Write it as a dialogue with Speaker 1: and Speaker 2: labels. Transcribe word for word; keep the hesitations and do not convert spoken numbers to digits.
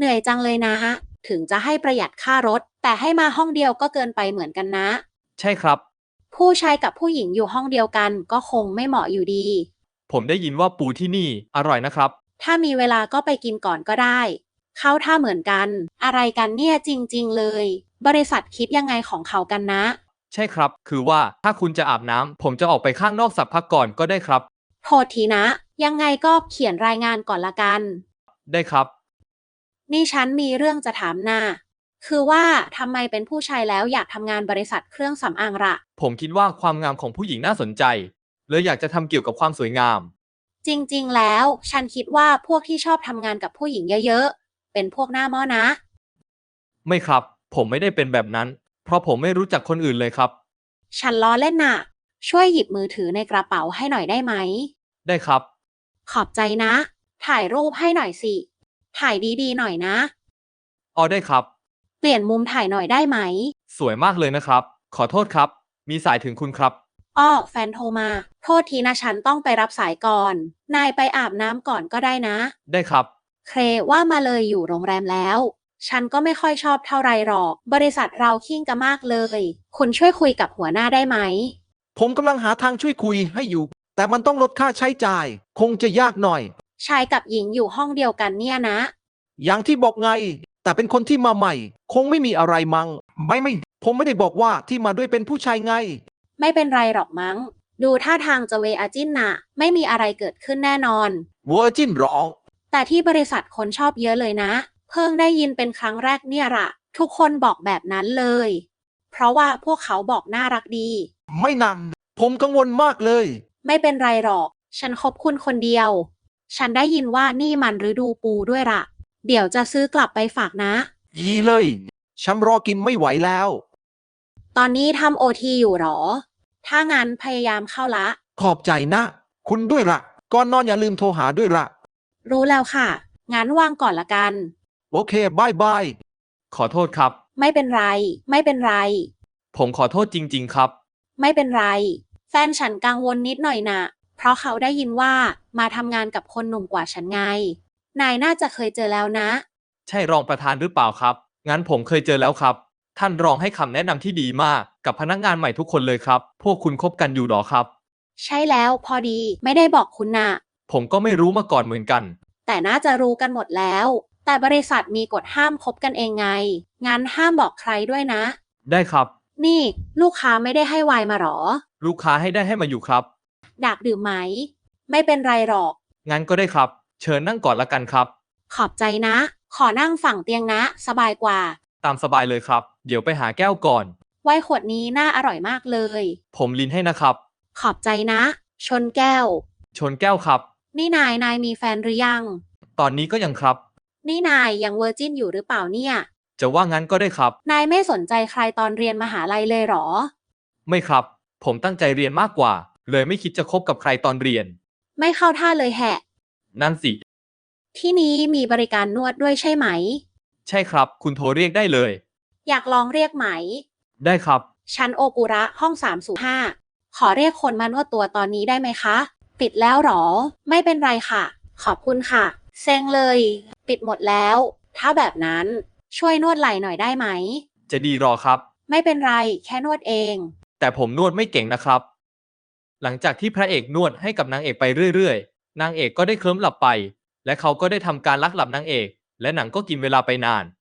Speaker 1: เหนื่อยจังเลยนะถึงจะให้ประหยัดค่ารถแต่ให้มาห้องเดียวก็เกินไปเหมือนกันนะ
Speaker 2: ใช่ครับ
Speaker 1: ผู้ชายกับผู้หญิงอยู่ห้องเดียวกันก็คงไม่เหมาะอยู่ดี
Speaker 2: ผมได้ยินว่าปูที่นี่อร่อยนะครับ
Speaker 1: ถ้ามีเวลาก็ไปกินก่อนก็ได้เข้าท่าเหมือนกันอะไรกันเนี่ยจริงๆเลยบริษัทคิดยังไงของเขากันนะ
Speaker 2: ใช่ครับคือว่าถ้าคุณจะอาบน้ำผมจะออกไปข้างนอกสักพักก่อนก็ได้ครับ
Speaker 1: โทษทีนะยังไงก็เขียนรายงานก่อนละกัน
Speaker 2: ได้ครับ
Speaker 1: นี่ฉันมีเรื่องจะถามนาคือว่าทำไมเป็นผู้ชายแล้วอยากทำงานบริษัทเครื่องสำอางล่ะ
Speaker 2: ผมคิดว่าความงามของผู้หญิงน่าสนใจเลยอยากจะทำเกี่ยวกับความสวยงาม
Speaker 1: จริงๆ แล้วฉันคิดว่าพวกที่ชอบทำงานกับผู้หญิงเยอะๆ เป็นพวกหน้าหม้อนะ
Speaker 2: ไม่ครับผมไม่ได้เป็นแบบนั้นเพราะผมไม่รู้จักคนอื่นเลยครับ
Speaker 1: ฉันล้อเล่นน่ะ ช่วยหยิบมือถือในกระเป๋าให้หน่อยได้ไหม
Speaker 2: ได้ครับ
Speaker 1: ขอบใจนะ ถ่ายรูปให้หน่อยสิ ถ่ายดีๆ หน่อยนะ
Speaker 2: อ๋อได้ครับ
Speaker 1: เปลี่ยนมุมถ่ายหน่อยได้ไหม
Speaker 2: สวยมากเลยนะครับขอโทษครับมีสายถึงคุณครับ
Speaker 1: อ้อแฟนโทรมา โทษทีนะฉันต้องไปรับสายก่อน นายไปอาบน้ำก่อนก็ได้นะ
Speaker 2: ได้ครับ
Speaker 1: เครว่ามาเลยอยู่โรงแรมแล้ว ฉันก็ไม่ค่อยชอบเท่าไรหรอก บริษัทเราขิ้งกันมากเลย คุณช่วยคุยกับหัวหน้าได้ไหม
Speaker 3: ผมกำลังหาทางช่วยคุยให้อยู่ แต่มันต้องลดค่าใช้จ่าย คงจะยากหน่อย
Speaker 1: ชายกับหญิงอยู่ห้องเดียวกันเนี่ยนะ
Speaker 3: อย่างที่บอกไง แต่เป็นคนที่มาใหม่ คงไม่มีอะไรมัง้งไม่ไม่ ผมไม่ได้บอกว่าที่มาด้วยเป็นผู้ชายไง
Speaker 1: ไม่เป็นไรหรอกมั้ง ดูท่าทางจะเวอาจินน่ะ ไม่มีอะไรเกิดขึ้นแน่นอน
Speaker 3: เวอร์จินหรอ
Speaker 1: แต่ที่บริษัทคนชอบเยอะเลยนะ เพิ่งได้ยินเป็นครั้งแรกเนี่ยละทุกคนบอกแบบนั้นเลย เพราะว่าพวกเขาบอกน่ารักดี
Speaker 3: ไม่นานผมกังวลมากเลย
Speaker 1: ไม่เป็นไรหรอก ฉันคบคุณคนเดียว ฉันได้ยินว่านี่มันฤดูปูด้วยละเดี๋ยวจะซื้อกลับไปฝากนะ
Speaker 3: ยีเลย ฉันรอกินไม่ไหวแล้ว
Speaker 1: ตอนนี้ทำโอทีอยู่หรอ ถ้างั้นพยายามเข้าละ
Speaker 3: ขอบใจนะ คุณด้วยละก่อนนอนอย่าลืมโทรหาด้วยละ
Speaker 1: รู้แล้วค่ะ งั้นวางก่อนละกัน
Speaker 3: โอเคบายบาย
Speaker 2: ขอโทษครับ
Speaker 1: ไม่เป็นไร ไม่เป็นไร
Speaker 2: ผมขอโทษจริงๆครับ
Speaker 1: ไม่เป็นไร แฟนฉันกังวลนิดหน่อยนะเพราะเขาได้ยินว่ามาทำงานกับคนหนุ่มกว่าฉันไง นายน่าจะเคยเจอแล้วนะ
Speaker 2: ใช่รองประธานหรือเปล่าครับงั้นผมเคยเจอแล้วครับท่านรองให้คำแนะนำที่ดีมากกับพนักงานใหม่ทุกคนเลยครับพวกคุณคบกันอยู่หรอครับ
Speaker 1: ใช่แล้วพอดีไม่ได้บอกคุณนะ
Speaker 2: ผมก็ไม่รู้มาก่อนเหมือนกัน
Speaker 1: แต่น่าจะรู้กันหมดแล้ว แต่บริษัทมีกฎห้ามคบกันเองไง งั้นห้ามบอกใครด้วยนะ
Speaker 2: ได้ครับ
Speaker 1: นี่ลูกค้าไม่ได้ให้ไวน์มาหรอ
Speaker 2: ลูกค้าให้ได้ให้มาอยู่ครับ
Speaker 1: อยากดื่มไหม ไม่เป็นไรหรอก
Speaker 2: งั้นก็ได้ครับเชิญนั่งก่อนละกันครับ
Speaker 1: ขอบใจนะ ขอนั่งฝั่งเตียงนะ สบายกว่า
Speaker 2: ตามสบายเลยครับเดี๋ยวไปหาแก้วก่อน
Speaker 1: ไวน์ขวดนี้น่าอร่อยมากเลย
Speaker 2: ผมลินให้นะครับ
Speaker 1: ขอบใจนะ ชนแก้ว
Speaker 2: ชนแก้วครับ
Speaker 1: นี่นายนายมีแฟนหรือยัง
Speaker 2: ตอนนี้ก็ยังครับ
Speaker 1: นี่นายยังเวอร์จินอยู่หรือเปล่าเนี่ย
Speaker 2: จะว่างั้นก็ได้ครับ
Speaker 1: นายไม่สนใจใครตอนเรียนมหาลัยเลยเหรอ
Speaker 2: ไม่ครับผมตั้งใจเรียนมากกว่าเลยไม่คิดจะคบกับใครตอนเรียน
Speaker 1: ไม่เข้าท่าเลยแฮะ
Speaker 2: นั่นสิ
Speaker 1: ที่นี้มีบริการนวดด้วยใช่ไหม
Speaker 2: ใช่ครับคุณโทรเรียกได้เลย
Speaker 1: อยากลองเรียกไหม
Speaker 2: ได้ครับ
Speaker 1: ชั้นโอกุระห้องสามศูนย์ห้าขอเรียกคนมานวดตัวตอนนี้ได้ไหมคะ ปิดแล้วหรอ ไม่เป็นไรค่ะ ขอบคุณค่ะ เซ็งเลย ปิดหมดแล้ว ถ้าแบบนั้นช่วยนวดไหล่หน่อยได้ไหม
Speaker 2: จะดีรอครับ
Speaker 1: ไม่เป็นไร แค่นวดเอง
Speaker 2: แต่ผมนวดไม่เก่งนะครับ หลังจากที่พระเอกนวดให้กับนางเอกไปเรื่อยๆนางเอกก็ได้เคลิ้มหลับไปและเขาก็ได้ทำการลักหลับนางเอกและหนังก็กินเวลาไปนาน